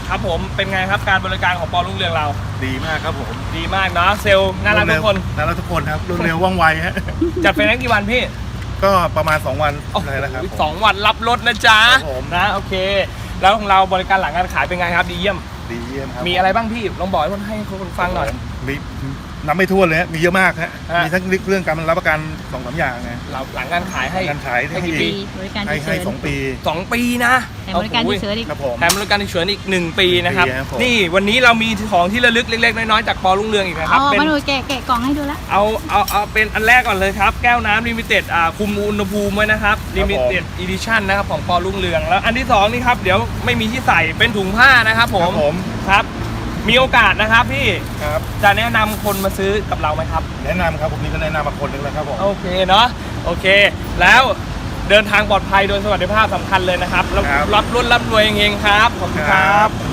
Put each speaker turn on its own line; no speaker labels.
ครับผมเป็นไงครับการบริการของปอรุ่งเรืองเรา
ดีมากครับผม
ดีมากเนาะเซลล์น่ารักทุกคน
น่ารักทุกคนครับรวดเร็วว่องไวฮะ
จัดไฟแนนซ์กี่วันพี่
ก็ประมาณ2 วันเลยนะครับ
สองวันรับรถนะจ๊ะ
ครับผม
นะโอเค แล้วของเราบริการหลังการขายเป็นไงครับดีเยี่ยม
ดีเยี่ยมครับ
มีอะไรบ้างพี่ลองบอกให้คนฟังหน่อย
มีนับไม่ถ้วนเลยฮะมีเยอะมากฮะ
ฮะ
มีทั้งเรื่องการรับประกัน2-3 อย่างไง
เราหลังการขายให้
การขาย
ให้กี่
ให้
ปี
บริการ
ให้
ฉุกเฉิน
2 ปี
2 ปีนะ
แต่บริการฉุกเฉินอีก
ครับผม
แถมบริการฉุกเฉินอีก1 ปีนะครับ
1 ปีครับผม
นี่วันนี้เรามีของที่ระลึกเล็กๆน้อยๆจากปอรุ่งเรืองอีกนะครับ
อ๋อ
เป็น
มาดูแกะกล่องให้ดูแล้ว
เอาเป็นอันแรกก่อนเลยครับแก้วน้ำลิมิเต็ดคุมอุณหภูมิไว้นะครับลิมิเต็ดอีดิชั่นนะครับของปอรุ่งเรืองแล้วอันที่2นี่ครับเดี๋ยวไม่มีที่ใส่เป็นถุงผ้านะครับผ
ครั
ม
บผม
ครับมีโอกาสนะครับพี่
ครับ
จะแนะนำคนมาซื้อกับเราไหมครับ
แนะนำครับผมนี่ก็แนะนำมาคนหนึงแล้วครับผม
โอเคเนาะโอเค แล้วเดินทางปลอดภัยโดยสวัสดิภาพสำคัญเลยนะครับแล้วรับรุ่นรับรวยเฮงๆครับขอบคุณครับ